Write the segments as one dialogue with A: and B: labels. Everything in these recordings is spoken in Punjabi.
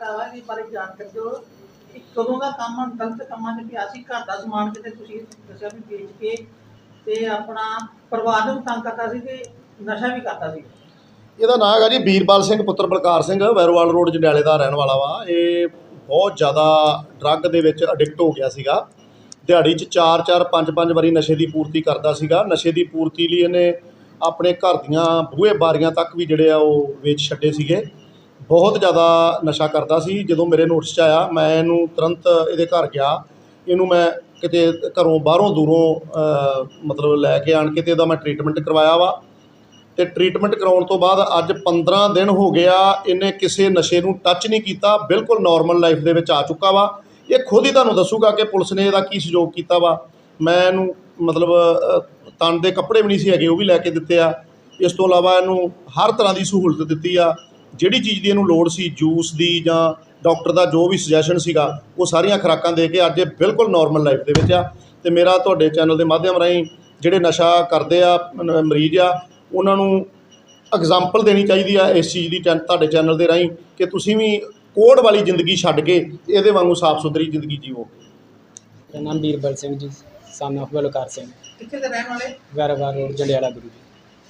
A: ਚਾਹਤਾ ਵਾ ਇਸ ਬਾਰੇ ਜਾਣਕਾਰੀ ਦਿਓ ਕਿ ਕਦੋਂ ਦਾ ਕੰਮ ਗਲਤ ਕੰਮਾਂ 'ਚ ਪਿਆ ਸੀ। ਘਰ ਦਾ ਸਮਾਨ ਕਿਤੇ ਤੁਸੀਂ ਦੱਸਿਆ ਵੀ ਵੇਚ ਕੇ ਤੇ ਆਪਣਾ ਪਰਿਵਾਰ ਨੂੰ ਤੰਗ ਕਰਦਾ ਸੀ ਤੇ ਨਸ਼ਾ ਵੀ ਕਰਦਾ ਸੀ।
B: ਇਹਦਾ ਨਾਂ ਹੈਗਾ ਜੀ ਵੀਰਪਾਲ ਸਿੰਘ ਪੁੱਤਰ ਬਲਕਾਰ ਸਿੰਘ, ਵੈਰੋਵਾਲ ਰੋਡ ਜੰਡਿਆਲੇ ਦਾ ਰਹਿਣ ਵਾਲਾ ਵਾ। ਇਹ ਬਹੁਤ ਜ਼ਿਆਦਾ ਡਰੱਗ ਦੇ ਵਿੱਚ ਅਡਿਕਟ ਹੋ ਗਿਆ ਸੀਗਾ। ਦਿਹਾੜੀ 'ਚ 4-4 5-5 ਵਾਰੀ ਨਸ਼ੇ ਦੀ ਪੂਰਤੀ ਕਰਦਾ ਸੀਗਾ। ਨਸ਼ੇ ਦੀ ਪੂਰਤੀ ਲਈ ਇਹਨੇ ਆਪਣੇ ਘਰ ਦੀਆਂ ਬੂਹੇ ਬਾਰੀਆਂ ਤੱਕ ਵੀ ਜਿਹੜੇ ਆ ਉਹ ਵੇਚ ਛੱਡੇ ਸੀਗੇ। ਬਹੁਤ ਜ਼ਿਆਦਾ ਨਸ਼ਾ ਕਰਦਾ ਸੀ। ਜਦੋਂ ਮੇਰੇ ਨੋਟਿਸ 'ਚ ਆਇਆ ਮੈਂ ਇਹਨੂੰ ਤੁਰੰਤ ਇਹਦੇ ਘਰ ਗਿਆ। ਇਹਨੂੰ ਮੈਂ ਕਿਤੇ ਘਰੋਂ ਬਾਹਰੋਂ ਦੂਰੋਂ ਮਤਲਬ ਲੈ ਕੇ ਆਣ ਕੇ ਤੇ ਇਹਦਾ ਮੈਂ ਟਰੀਟਮੈਂਟ ਕਰਵਾਇਆ ਵਾ। ਤੇ ਟਰੀਟਮੈਂਟ ਕਰਾਉਣ ਤੋਂ ਬਾਅਦ ਅੱਜ 15 ਦਿਨ ਹੋ ਗਿਆ ਇਹਨੇ ਕਿਸੇ ਨਸ਼ੇ ਨੂੰ ਟੱਚ ਨਹੀਂ ਕੀਤਾ। ਬਿਲਕੁਲ ਨੋਰਮਲ ਲਾਈਫ ਦੇ ਵਿੱਚ ਆ ਚੁੱਕਾ ਵਾ। ਇਹ ਖੁਦ ਹੀ ਤੁਹਾਨੂੰ ਦੱਸੂਗਾ ਕਿ ਪੁਲਿਸ ਨੇ ਇਹਦਾ ਕੀ ਸਹਿਯੋਗ ਕੀਤਾ ਵਾ। ਮੈਂ ਇਹਨੂੰ ਮਤਲਬ ਤਨ ਦੇ ਕੱਪੜੇ ਵੀ ਨਹੀਂ ਸੀ ਹੈਗੇ, ਉਹ ਵੀ ਲੈ ਕੇ ਦਿੱਤੇ ਆ। ਇਸ ਤੋਂ ਇਲਾਵਾ ਇਹਨੂੰ ਹਰ ਤਰ੍ਹਾਂ ਦੀ ਸਹੂਲਤ ਦਿੱਤੀ ਆ। ਜਿਹੜੀ ਚੀਜ਼ ਦੀ ਇਹਨੂੰ ਲੋੜ ਸੀ, ਜੂਸ ਦੀ ਜਾਂ ਡਾਕਟਰ ਦਾ ਜੋ ਵੀ ਸੁਜੈਸ਼ਨ ਸੀਗਾ, ਉਹ ਸਾਰੀਆਂ ਖੁਰਾਕਾਂ ਦੇ ਕੇ ਅੱਜ ਇਹ ਬਿਲਕੁਲ ਨੋਰਮਲ ਲਾਈਫ ਦੇ ਵਿੱਚ ਆ। ਅਤੇ ਮੇਰਾ ਤੁਹਾਡੇ ਚੈਨਲ ਦੇ ਮਾਧਿਅਮ ਰਾਹੀਂ ਜਿਹੜੇ ਨਸ਼ਾ ਕਰਦੇ ਆ ਮਰੀਜ਼ ਆ, ਉਹਨਾਂ ਨੂੰ ਐਗਜ਼ਾਮਪਲ ਦੇਣੀ ਚਾਹੀਦੀ ਆ ਇਸ ਚੀਜ਼ ਦੀ ਤੁਹਾਡੇ ਚੈਨਲ ਦੇ ਰਾਹੀਂ ਕਿ ਤੁਸੀਂ ਵੀ ਕੋਹੜ ਵਾਲੀ ਜ਼ਿੰਦਗੀ ਛੱਡ ਕੇ ਇਹਦੇ ਵਾਂਗੂ ਸਾਫ਼ ਸੁਥਰੀ ਜ਼ਿੰਦਗੀ ਜੀਵੋ।
C: ਮੇਰਾ ਨਾਮ ਵੀਰਬਲ ਸਿੰਘ ਜੀ, son of ਬਲਕਾਰ ਸਿੰਘ।
A: ਕਿੱਥੇ ਦੇ ਰਹਿਣ ਵਾਲੇ?
C: ਵੈਰੋਵਾਲ ਰੋਡ ਜੰਡਿਆਲਾ ਗੁਰੂ ਜੀ।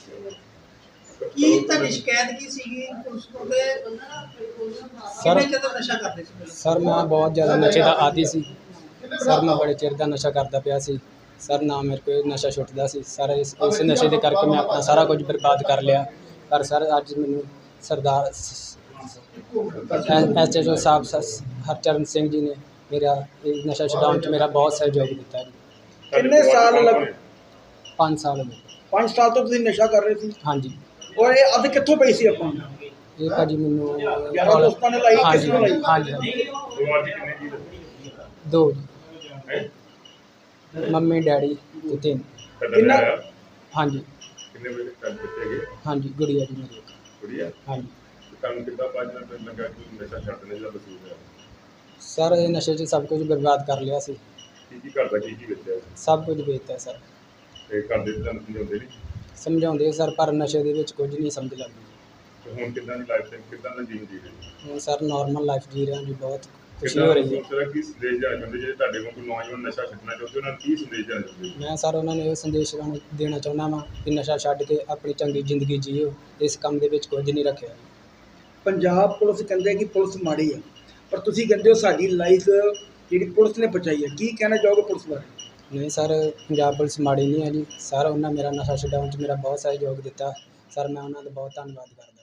A: ਕੀ ਤੁਹਾਡੀ ਸ਼ਿਕਾਇਤ ਕੀ ਸੀਗੀ ਪੁਲਿਸ ਕੋਲ ਤੇ ਕਿੰਨੇ ਚਿਰ ਤੋਂ ਨਸ਼ਾ ਕਰਦੇ ਸੀ?
C: ਸਰ ਮੈਂ ਬਹੁਤ ਜ਼ਿਆਦਾ ਨਸ਼ੇ ਦਾ ਆਦੀ ਸੀ। ਸਰ ਮੈਂ ਬੜੇ ਚਿਰ ਦਾ ਨਸ਼ਾ ਕਰਦਾ ਪਿਆ ਸੀ। ਸਰ ਨਾ ਮੇਰੇ ਕੋਲ ਨਸ਼ਾ ਛੁੱਟਦਾ ਸੀ। ਸਰ ਇਸ ਨਸ਼ੇ ਦੇ ਕਰਕੇ ਮੈਂ ਆਪਣਾ ਸਾਰਾ ਕੁਝ ਬਰਬਾਦ ਕਰ ਲਿਆ। ਪਰ ਸਰ ਅੱਜ ਮੈਨੂੰ ਸਰਦਾਰ SHO ਸਾਹਿਬ ਹਰਚਰਨ ਸਿੰਘ ਜੀ ਨੇ ਮੇਰਾ ਇਹ ਨਸ਼ਾ ਛੁਡਾਉਣ 'ਚ ਮੇਰਾ ਬਹੁਤ ਸਹਿਯੋਗ ਦਿੱਤਾ ਜੀ।
D: ਕਿੰਨੇ ਸਾਲ ਲੱਗ
C: 5 ਸਾਲ ਹੋ ਗਏ।
D: 5 ਸਾਲ ਤੋਂ ਤੁਸੀਂ ਨਸ਼ਾ ਕਰ ਰਹੇ ਸੀ
C: ਹਾਂਜੀ।
D: ਔਰ ਇਹ ਅੱਧ ਕਿੱਥੋਂ ਪਈ ਸੀ ਆਪਾਂ
C: ਇਹ ਭਾਜੀ ਮੈਨੂੰ
D: ਯਾਰਾਂ ਦੋਸਤਾਂ ਨੇ ਲਾਈ, ਕਿਸ ਨੂੰ ਲਾਈ?
C: ਹਾਂਜੀ ਦੋ ਜੀ, ਮੰਮੀ ਡੈਡੀ ਤੇ ਤਿੰਨ।
D: ਕਿੰਨਾ
C: ਹਾਂਜੀ
E: ਕਿੰਨੇ ਵਜੇ ਕੰਮ ਕੀਤੇ ਗਏ?
C: ਹਾਂਜੀ ਗੁੜੀਆ ਜੀ ਮੇਰੀ ਇੱਕ।
E: ਕੁੜੀਆ
C: ਹਾਂਜੀ
E: ਕੰਮ ਕਿੱਦਾਂ ਪਾਜਣਾ ਤੇ ਲੱਗਾ ਕਿ ਨਸ਼ਾ ਛੱਡਣੇ ਦਾ ਮਸੂਲ ਹੈ?
C: ਸਰ ਇਹ ਨਸ਼ੇ 'ਚ ਸਭ ਕੁਝ ਬਰਬਾਦ ਕਰ ਲਿਆ ਸੀ।
E: ਕੀ ਕਰਦਾ, ਕੀ ਵੇਚਿਆ?
C: ਸਭ ਕੁਝ ਵੇਚਤਾ ਸਰ।
E: ਤੇ ਘਰ ਦੇ ਤੁਹਾਨੂੰ ਸਮਝਾਉਂਦੇ ਨਹੀਂ?
C: ਸਮਝਾਉਂਦੇ ਸਰ, ਪਰ ਨਸ਼ੇ ਦੇ ਵਿੱਚ ਕੁਝ ਨਹੀਂ ਸਮਝ ਲੱਗਦੀ।
E: ਤੇ ਹੁਣ ਕਿੱਦਾਂ ਦੀ ਲਾਈਫ ਕਿੱਦਾਂ ਦਾ ਜੀਵਨ ਜੀ ਰਹੇ?
C: ਹੁਣ ਸਰ ਨੋਰਮਲ ਲਾਈਫ ਜੀ ਰਿਹਾ ਜੀ, ਬਹੁਤ ਖੁਸ਼ੀ ਹੋ ਰਹੀ ਹੈ।
E: ਸਰ ਕੀ ਸੰਦੇਸ਼ ਦੇਣਾ ਚਾਹੁੰਦੇ ਜਿਹੜੇ ਤੁਹਾਡੇ ਕੋਲ ਕੋਈ ਨੌਜਵਾਨ ਨਸ਼ਾ ਛੱਡਣਾ ਚਾਹੁੰਦੇ ਉਹਨਾਂ ਨੂੰ ਕੀ ਸੰਦੇਸ਼ ਦੇਣਾ ਚਾਹੁੰਦੇ?
C: ਮੈਂ ਸਰ ਉਹਨਾਂ ਨੂੰ ਇਹ ਸੰਦੇਸ਼ ਦੇਣਾ ਚਾਹੁੰਦਾ ਵਾਂ ਕਿ ਨਸ਼ਾ ਛੱਡ ਕੇ ਆਪਣੀ ਚੰਗੀ ਜ਼ਿੰਦਗੀ ਜੀਓ। ਇਸ ਕੰਮ ਦੇ ਵਿੱਚ ਕੁਝ ਨਹੀਂ ਰੱਖਿਆ।
D: ਪੰਜਾਬ ਪੁਲਿਸ ਕਹਿੰਦੇ ਕਿ ਪੁਲਿਸ ਮਾੜੀ ਆ, ਪਰ ਤੁਸੀਂ ਕਹਿੰਦੇ ਹੋ ਸਾਡੀ ਲਾਈਫ ਜਿਹੜੀ ਪੁਲਿਸ ਨੇ ਬਚਾਈ ਹੈ। ਕੀ ਕਹਿਣਾ ਚਾਹੋਗੇ ਪੁਲਿਸ ਬਾਰੇ?
C: ਨਹੀਂ ਸਰ, ਪੰਜਾਬ ਪੁਲਿਸ ਮਾੜੀ ਨਹੀਂ ਹੈ ਜੀ। ਸਰ ਉਹਨਾਂ ਮੇਰਾ ਨਸ਼ਾ ਛਡਾਉਣ 'ਚ ਮੇਰਾ ਬਹੁਤ ਸਹਿਯੋਗ ਦਿੱਤਾ। ਸਰ ਮੈਂ ਉਹਨਾਂ ਦਾ ਬਹੁਤ ਧੰਨਵਾਦ ਕਰਦਾ।